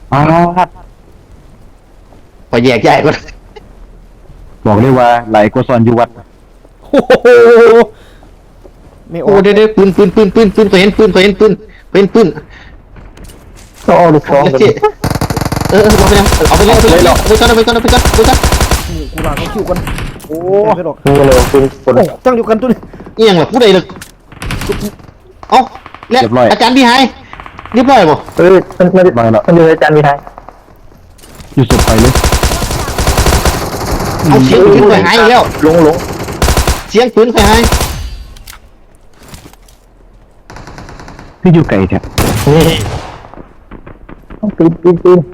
อ๋อพอแยกย้ายก็บอกเลยว่าไหลกว่าซอนอยู่วัดโอ้โหไม่อโอ้อกเดี๋ยวปืนเคยเห็นปืนก็เอาลูกซองแล้วกันเจ๊เอาไปเลยไปก่อนหมูกูลาเขาคิวกันโอ้ไม่หรอกนี่เลยคือคนโอ้ตั้งอยู่กันตัวนี้เอียงล่ะผู้ใดเลยเอ้าแล้วอาจารย์พี่หายเรียบร้อยบ่มันมาแล้วมันอยู่ในจานมีไทยอยู่สุดไปเลยเอาเสียงปืนเคยหายแล้วลงเสียงปืนเคยหายที่อยู่ไกลแท้นี่ต้องปีน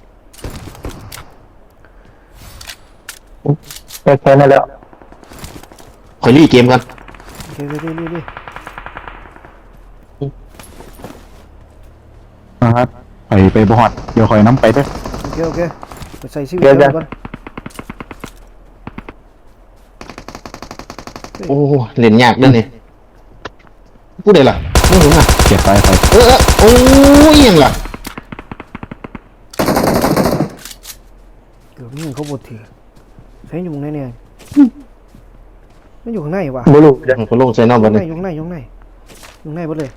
แค่นั้นแล้วคอยรีเกมกันโอเครีนะครับไปบอดเดี๋ยวคอยน้ำไปด้วยโอเคไปใส่ชีวิตแล้วกันโอ้เล่นยากเด้อนี่ผู้ใดล่ะไม่รู้อ่ะเก็บไปโอ้ยยังล่ะเกือบนี่เขาบดถือใช้อยู่ไหนเนี่ยมันอยู่ข้างในวะบุรุษคนลงใส่นอกบ้านเลยอยู่ข้างในหมดเลย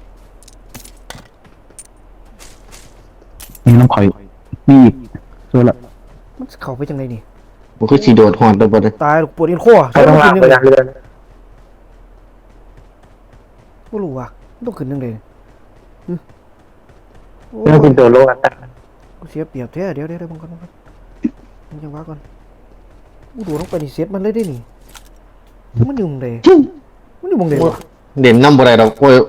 นี่น้ำข่อยนี่อีกเจอละมันเข้าไปจังไงนี่มันคือสีโดดหอนตัวบ้านเลยตายปวดอินข้อเขาต้องลากไปยังเรือนไม่รู้ว่ะต้องขึ้นยังไงโอ้เรื่องกินตัวโลกอ่ะเสียเปรียบแท้เดี๋ยวบังก่อนมันยังว่าก่อนอู้ดูต้องไปนี่เซตมันเลยได้นี่มันอยู่มึงเดมันอยู่มึงเดเด่นน้ำบ่ได้ดอกโอ้ย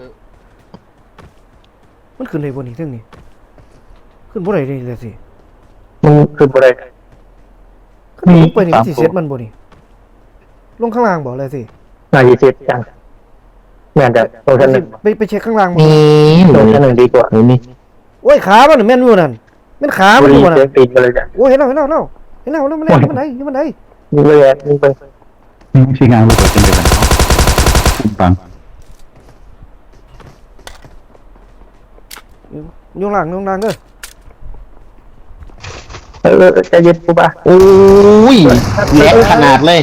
มันขึ้นเลยบนนี่เรื่องนี้ขึ้นบ่ได้เลยสิมันคืออะไรขึ้นลงไปนี่มันสิเซตมันบ่นี่ลงข้างล่างบ่เลยสิน่าจะเจ็บจังแม่นแต่โลชั่นหนึ่งไปเช็คข้างล่างบ่นี่โลชั่นหนึ่งดีกว่านี่โอ้ยขามันแม่นอยู่นั่นแม่นขามันบุอรียู่นั่นเจ็บปีนไปเลยจ้ะโอ้ยเห็นแล้วแล้วมันไหนมันไหนยิงเลยยิงไปไม่ใช่งานลูกเปิดเป็นเดือนคุ้มปังยงล่างเด้อใจเย็นกูป่ะโอ้ยแหลกขนาดเลย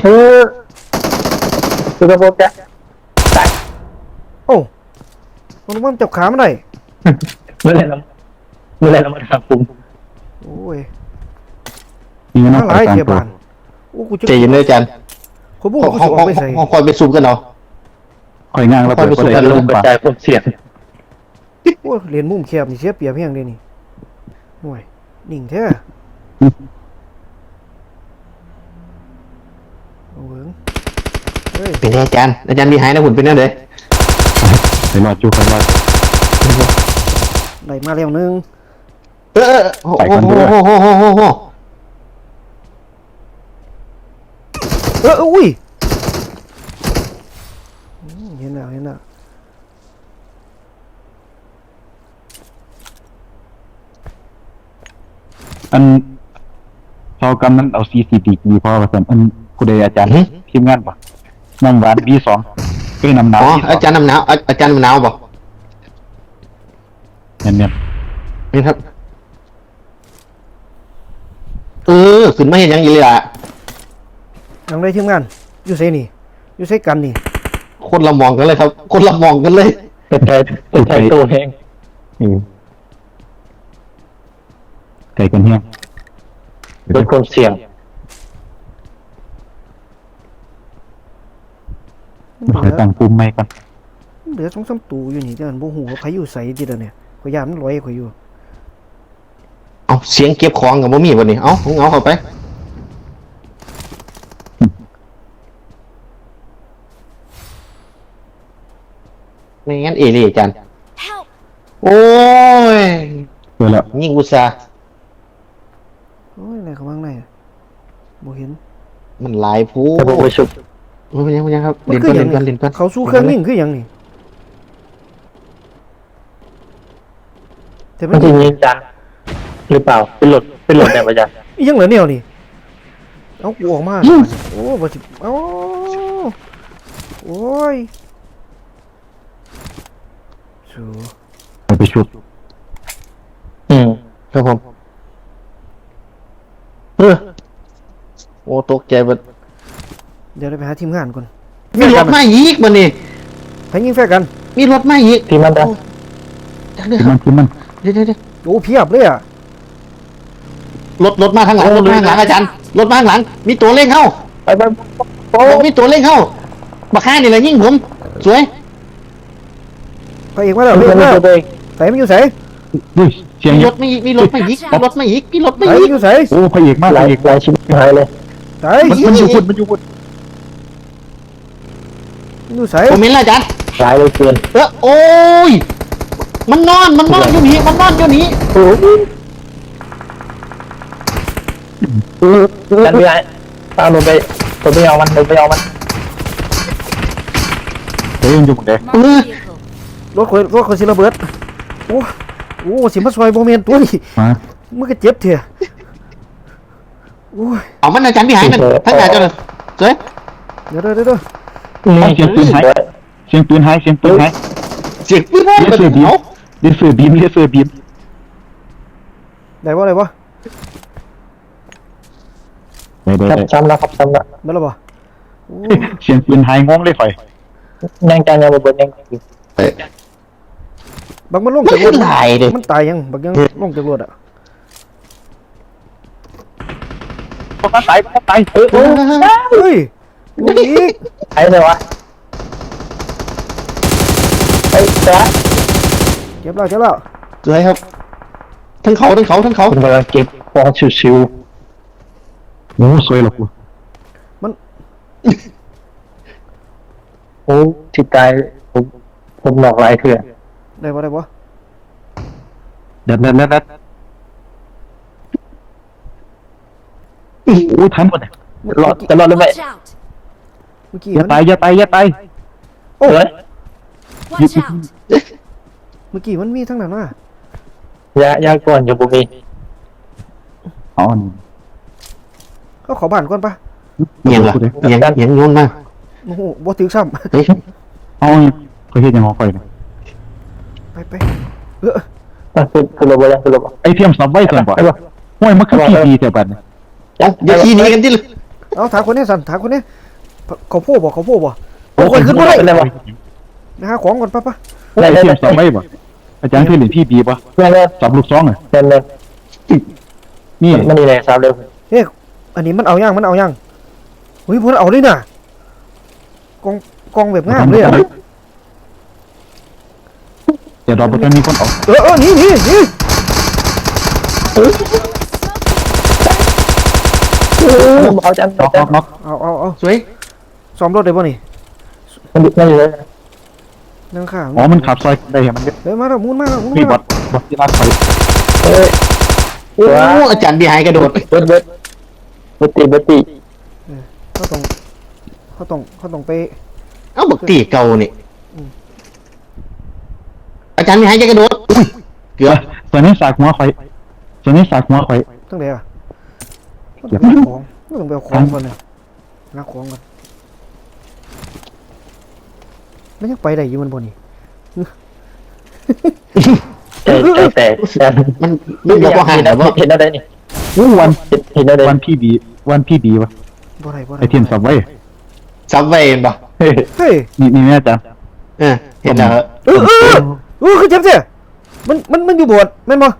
คือกระโปรงจ้ะโอ้มันจับขามันได้เมื่อไรเรามาทำปุ่มโอ้ยนี่มันหลายเทียบานโอ้กูจะใจเย็นเลยอาจารย์คนบุกกูสิออกไปใส่คอยไปซูมกันเนาะคอยงางเราเปิดประเด็นลงกระจายความเสี่ยงโอ้เรียนมุมแคบนี่เสียเปรียบเพียงเด้นี่ห่วยนิ่งแท้โอ้ยเฮ้ยเป็นไงอาจารย์พี่หายนะหุ่นเป็นนั่นเลยไปรอจูไปรอได้มาแล้วนึงโอ้โหอุ้ยเห็นแล้วอันพอกำนั้นเอาCCDมีพอผสมอันผู้ใดอาจารย์ทีมงานปะน้ำหวานB2ก็น้ำหนาวอ๋ออาจารย์น้ำหนาวอาจารย์น้ำหนาวบอกเนี่ยนี่ครับขึ้นมาเห็นยังอีเลยอ่ะยังได้ทีมงานอยู่ไสนี่อยู่ไสกันนี่คนละมองกันเลยครับ คนละมองกันเลยเป็นใจตัวแห้งใจกันเฮี้ยลดความเสี่ยงคอยตั้งปุ่มไม่กันเหลือ2-3ตู้อยู่นี่จังบ่ฮู้ว่าไผอยู่ไสติเด้อเนี่ยข่อยย่านมันลอยข่อยอยู่เอาเสียงเก็บของกับบ่มีวันนี้เอาเข้าไปไม่งั้นเลยอาจารย์โอ้ยเปิดแล้วยิ่งอุตสาห์โอ้ยอะไรข้างในบ่เห็นมันหลายผู้จะบอกไปชุบเป็นยังครับมันเล่นคือก่อนหยังเล่นก่อนเขาสู้เครื่องนิ่งคือหยังนี่แต่มัมันนจะยิงจังหรือเปล่าเป็นหลดแบบอาจารย์อีหยังเหลือแนวนี่เอากูออกมาโอ้บ่สิเอ้าโอ้ยสู้ไปชุบครับผมโอ้ตกใจหมดเดี๋ยวเราไปหาทีมงานก่อนมีรถมาอีกมันนี่ไปยิงแฟร์กันมีรถมาอีกทีมันดังที่มันเดี๋ยวโอ้เพียบเลยอ่ะรถมาข้างหลังรถมาข้างหลังอาจารย์รถมาข้างหลังมีตัวเร่งเข้าไปโอ้มีตัวเร่งเข้าบักฆ่านี่แหละยิ่งผมสวยไปอีกมาแล้วไม่เรียกใช่มาตัวเองใส่มันอยู่ใส่ด้วยเสียงมีเยรอะถมาอีกมีรถมาอีกมีรถมาอีกมีรถมาใส่อีมันกอยู่ใส่โอ้พระเอกมากหพลายระเอกหลายชิ้นหายเลยใส่มันอยู่พุ่นมันอยู่พุ่นมันอยู่ใส่ผมเห็นแล้วอาจารย์หลายเลยเกินโอ้ยมันนอนอยู่นี่มันนอนอยู่นี่โอ้กันไม่ได้ตามลงไปผมไปเอามันผมไปเอามันเฮ้ยมันอยู่หมดเลย Marked a vehicle. รถคนสิระเบิดโอ้โอ้สิมาซอยโมเมนตัวนี่มามึงก็เจ็บเถอะโอ้ยเอามันอาจารย์ที่หายนั่นทั้งอาจารย์เลยสวยเดี๋ยวนี่เสียงปืนหายเสียงปืนหายเสียงปืนหายเสียงปืนเลเซอร์บีมเอาเลเซอร์บีมเลเซอร์บีมได้บ่ได้บ่ได้ซ้ำแล้วครับซ้ำแล้วได้แล้วบ่โอ้เสียงปืนหายงงเลยข่อยยังการยังบนยังบักมันลงมันจากรขึ้ถนหายเลยมันตายยังบักยังลงจากรถอ่ะคนตายคนตายเฮ้ยลูกอีกไอ้เลยวะไอ้จ้าเจ็บแล้วสวยครับทั้งเขาผมกำลังเก็บฟองชิวโอ้สวยหรอกกูๆโอ้ที่ตายผมหลอกหลายเถื่อนได้บ่ได้บ่เด็ดโอ้ทันหมดเลยรอดจะรอดหรือไม่ Watch out! เมื่อกี้อย่ามันตายอย่าตายอย่าตายโอ้ย Watch out! เมื่อกี้มันมีทั้งนั้นว่ะยาก่อนอยู่บุมีอ๋อนี่เขาขอบ้านก่อนปะเงียบละเงียบโยนมาโอ้โหบ่ถึงซ้เฮ้ยเอาข่อยเฮ็ดยังของข่อยนะำไปคือระเบิดยังคือระเบิดไอเทียมซับไว้ก่อนบ่ห้วยมันคือพี่ดีแต่บัดนี้เดี๋ยวขี่หนีกันที่เลยเอาถามคนนี้สั่นถามคนนี้เขาโพบ่โอ้ยขึ้นบ่ได้เป็นไรวะนะฮะของก่อนปะไอเทียมซับไว้บ่อาจารย์เคยเล่นพี่บีบ่เพื่อนเล่นซับลูกซองอ่ะเล่นนี่มันดีเลยสาวเร็วเฮ้ยอันนี้มันเอายังเฮ้ยพวกเอาเลยน่ะกองแบบงามเลยอ่ะเดี๋ยวรอบ่ทันมีคนออกนี่เอาจังน็อกเอาสวยซ้อมรถได้บ่นี่มันอยู่เลยนั่งข้างอ๋อมันขับซอยได้มันเฮ้ยมาแล้วมุนมาแล้วพี่บอทที่รักข่อยเอ้ยโอ้อาจารย์ที่หายกระโดดเบิดตีเขาต้องไปเอ้าบักตีเก่านี่อาจารย์ที่หายกระโดดเกือบส่วนนี้สากหัวข่อยส่วนนี้สากหัวข่อยตั้งแต่อะต้องไปเอาของก่อนเนี่ยนักของก่อนมันยังไปได้อยู่มันบ่นี่ใจแตกมันบอกว่าหายแต่ว่าเห็นอะไรนี่วันเห็นอะไรวันพี่บีวะบ่ได้ไอเทียมซับไว้ซับเวย์ป่ะเฮ้ยนี่แม่จ้ะเห็นแล้วคือเจ็บเสียมันอยู่บวชแม่นบ่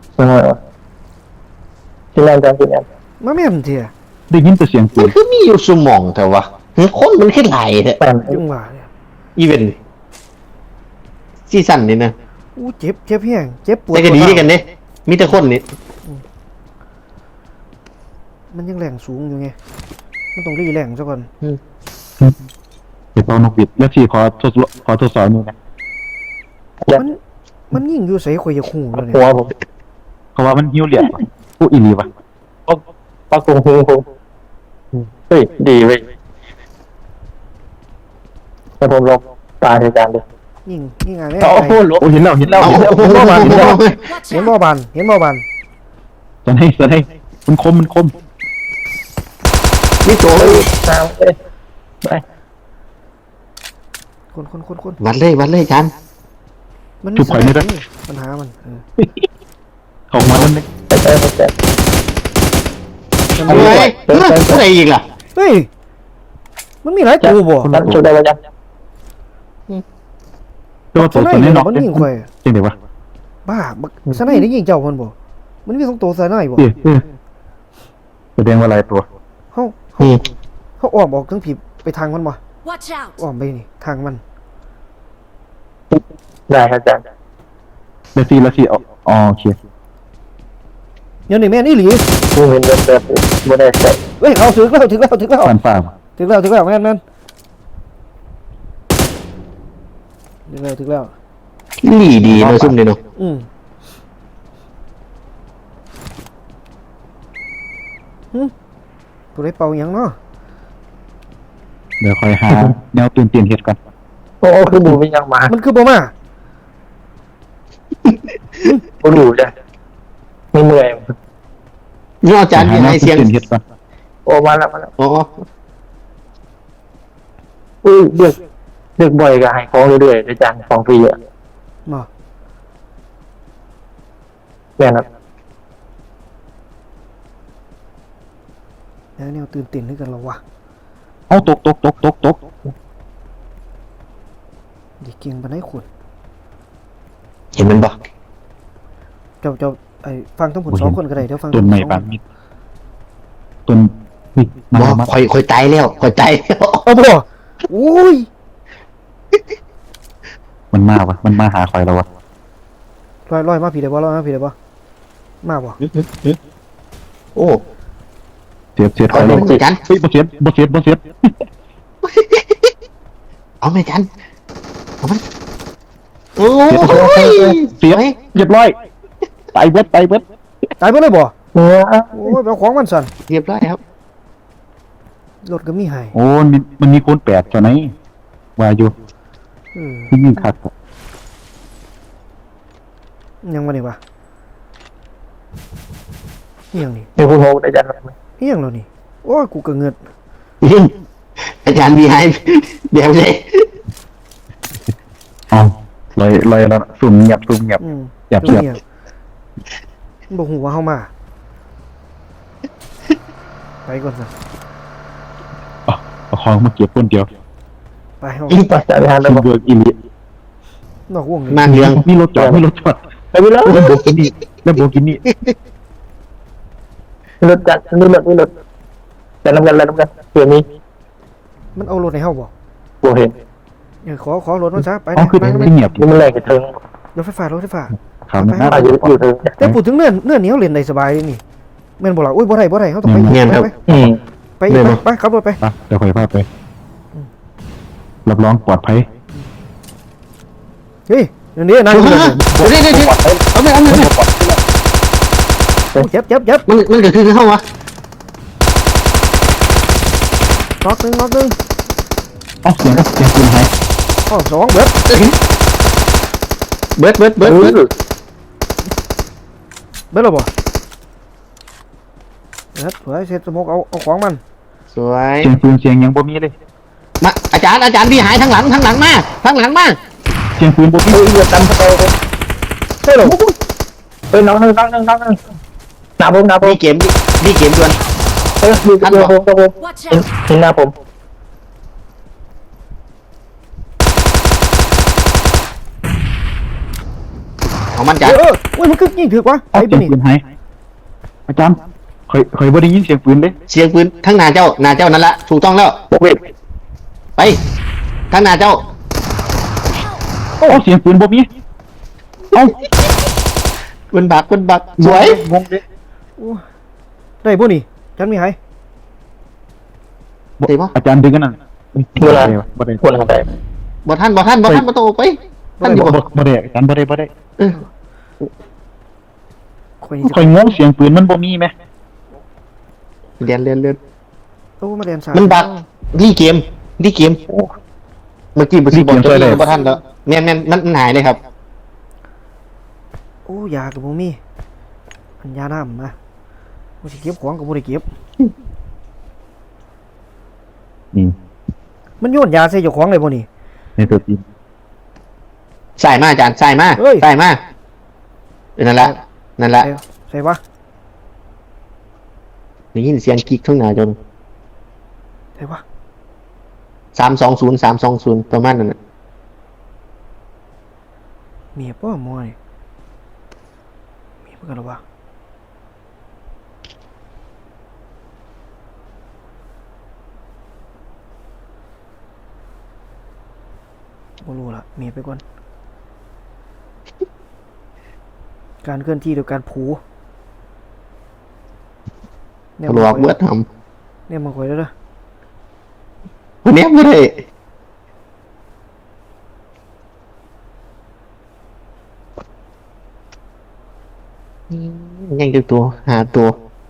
กินแรงจังกินแรงมาแม่นเถอะได้ยินแต่เสียงปืมันนคือมีอยู่สมองแต่ว่าคนมันขึ้นไหลแท้แปมจังหวะเนี่ยอีเวนต์ซีซั่นนี่นะอู้เจ็บแห้งเจ็บปวดแต่ก็ดีกันเนี่ยมีแต่คนนี่มันยังแรงสูงอยู่ไงมันต้องรีแรงซะก่อนเดี๋ยวเอานกบิดแล้วพี่ขอทดสอบนี่นะมันยิ่งอยู่ใส่ข่อยจะขู่แล้วเนี่ยหัวผมเขาว่ามันหิ้วเหรียญผู้อีลีวะปักตรงหูผมเฮ้ยดีเว้ยแต่ผมลงตาในการเลยยิ่งอะไรโอ้โหลโอ้เห็นแล้วเอาเห็นบ่บาน Watch เห็น out! บ่บานจะให้มันคมมีตัวเลยน้ำเลยไปคนวัดเลยจานมันปัญหามันของมันนั่นเองไปทำไมอะไรอีกล่ะเฮ้ยมันมีหลายตัวบ่จันช่วยได้แล้วจันตัวตัวตัวนี้นอกมันยิงข่อยจริงเดี๋ยววะบ้าบักสไนได้ยิงเจ้ามันบ่มันมี2ตัวสไนบ่แสดงว่าหลายตัวเฮาอืมเฮาอ้อมออกทั้งผิดไปทางมันบ่ Watch out! อ้อมไปนี่ทางมันได้ครับจันเดี๋ยวซีแล้วซีอ๋อโอเคเดี๋ยวนี่แม่นอีหลีผู้เห็นแบบไม่ได้ใส่เฮ้ยเขาถึงแล้วถึงแล้วถึงแล้วฟันฟ้าถึงแล้วถึงแล้วแม่นถึงแล้วถึงแล้วหลีดีเนาะซุ่มนี่เนาะตัวได้เป่าหยังเนาะเดี๋ยวคอยหาแนวตื่นเต้นเฮ็ดก่อนโอ้คือบูไม่ยังมามันคือบ่มาบูดูจ้ะไม่เมื่อยนี่อาจารย์หามีแนวให้ตื่เสียนงเต้นเฮ็ดก่อนโอ้มาแล้วมาแล้วอ๋ออุ้ยเลือกบ่อยกับหายของเรื่อยๆอาจารย์ของฟรีอ่ะบ่แม่ครับแล้วแนวตื่นเต้นด้วยกันแล้ววะเอาตกดิเก่งปานใดขุดเห็นมันบ่เจ้าไอ้ฟังทั้งผล2คนก็ได้เดี๋ยวฟังต้นไม้ปานมิดต้นนี่มาบ่มาค่อยตายแล้วค่อยตายแล้วเอาบ่โอ้ยมันมาวะมันมาหาคอยแล้ววะลอยมาผีได้บ่ลอยมาผีได้บ่มาบ่โอ้เสียดคเอาอยเลแล้วยอาจารย์เฮ้ยบ่เสียดเอาไหมอาจารย์เอามันโอ้ยเสียดเรียบร้อยตายเบิดตายบ่เลยบ่เนื้อโอ้ยเอาของมันสั่นเรียบร้อยครับรถก็มีให้โอ้มันมีคนแปดเจ้าไหนว่าอยู่ ที่ยิ่งคักยังบ่นี่วะอีหยังนี่เป็นคุณโฮอาจารย์อีหยังแล้วนี่โอ้ยกูก็เงิดอาจารย์มีให้เดี๋ยวเลยอ๋อลอยแล้วสุ่มเงียบอืมเงียบมันบ่ฮู้ว่าเฮามาไปก่อนซะเอาของมาเก็บคนเดียวไปเฮายิ่งปัจจัยทานซุ่แล้วมเบิกอีหลีนอกวงนี่มาเรื่องมีรถจอดไปแล้วแล้วโบกินี่รถจัดนี่รถแต่น้ำกันเผื่อมีมันเอารถให้เฮาบ่บัวเห็นขอรถมันซะไปอ๋อคือไปเงียบนี่มันแรงกระเทิงรถไฟฟ้ารถไฟฟ้าข่าวมันน่าอยู่เทิงแต่พูดถึงเนื้อเหนียวเล่นได้สบายเลยนี่แม่นบ่ล่ะอุ้ยบ่ได้เฮาต้องไปเงียบครับไปขับรถไปเดี๋ยวคอยพาไปรับรองปลอดภัยเฮ้ยเดี๋ยวนี้นั่งอยู่เดี๋ยวเอาไปเจ็บมันเกิดขึ้นเข้าวะน็อกหนึงอ๋อเสียงปืนหายอ๋อ2เบิดเบิดเบิดแล้วบ่เบิดเฮ้ยเสร็จสมกเอาของมันสวยเสียงปืนเสียงยังบ่มีเลยมาอาจารย์พี่หายทางหลังมาเสียงปืนบ่มีเรือตำสโตเลยใช่หรอน้องหนึ่งหน้าผมดีเกมดวนดูตัวผม Watch out! เห็นหน้าผมของมันอาจารย์อุ้ยมันคือยิงถือกวะอ๋อไอ้เสีบ่ยงนี่ปืนหายอาจารย์เคยบ่ได้ยินเสียงปืนเลยเสียงปืนทั้งหน้าเจ้านั่นละถูกต้องแล้วโอเคไปทั้งหน้าเจ้าอ๋อเสียงปืนบ่มีเอ้าคุณบักสวยงงเลยได้บ่นี่ฉันมีให้อาจารย์ดึงกันนั่นบ่ได้ควรทำได้บ่ท่านมาโตไปท่านอยู่บ่ได้อาจารย์บ่ได้ข่อยนี่คอยงงเสียงปืนมันบ่มีไหมเรียนโอ้มาเรียนสายมันบักดีเกมเมื่อกี้บ่สิบอกเจ้าเลยบ่ท่านแล้วแม่นมันหายเลยครับโอ้ยากับบ่มีอันยาน้ำนะบ่สิเก็บของก็บ่ได้เก็บนี่มันโยนยาใส่เจ้าของเลยบ่นี่ในตัวจริงใส่มาอาจารย์ใส่มานั่นละใส่วะได้ยินเสียงกิ๊กข้างหน้าจนไหนวะ 320ประมาณนั้นน่ะเมียป้อมวยเมียเพื่อนหรอวะไม่รู้ละเมียไปก่อนการเคลื่อนที่โดยการผูเนี่ยหลอกเมื่อทเนี่ยมาคอยแล้วเด้อำวันนี้ไม่ได้ยังจะตัวหาตัว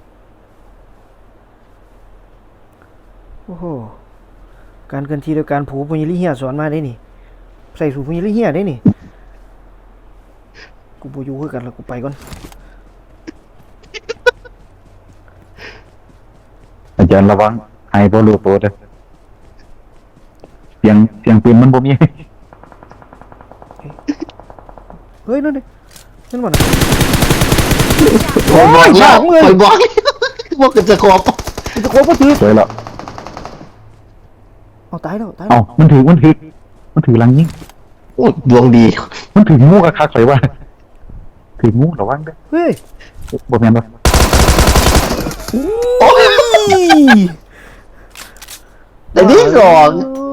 โอ้โหการเคลื่อนที่โดยการผูปุญญลิเฮียสอนมาได้นี่ใส่สูตรปุญญลิเฮียได้นี่กูบูยูคือกันแล้วกูไปก่อนอาจารย์ระวังให้บ่รู้ตัวเด้อเสียงปืนมันบ่มีเฮ้ยนั่นดินั่นมันโอ้ยบอกแล้วคอยบอกว่ากันจะขอบจะโคบก็ถือสวยแล้วเอาตายแล้วตายแล้เอ้าว มันถือลังยิงโอ้ยดวงดีมันถืองูคักๆใส่ว่าถืองูระวังเด้อเฮ้ยบ่แม่นบ่โอ้ยแต่นี่สองโอ้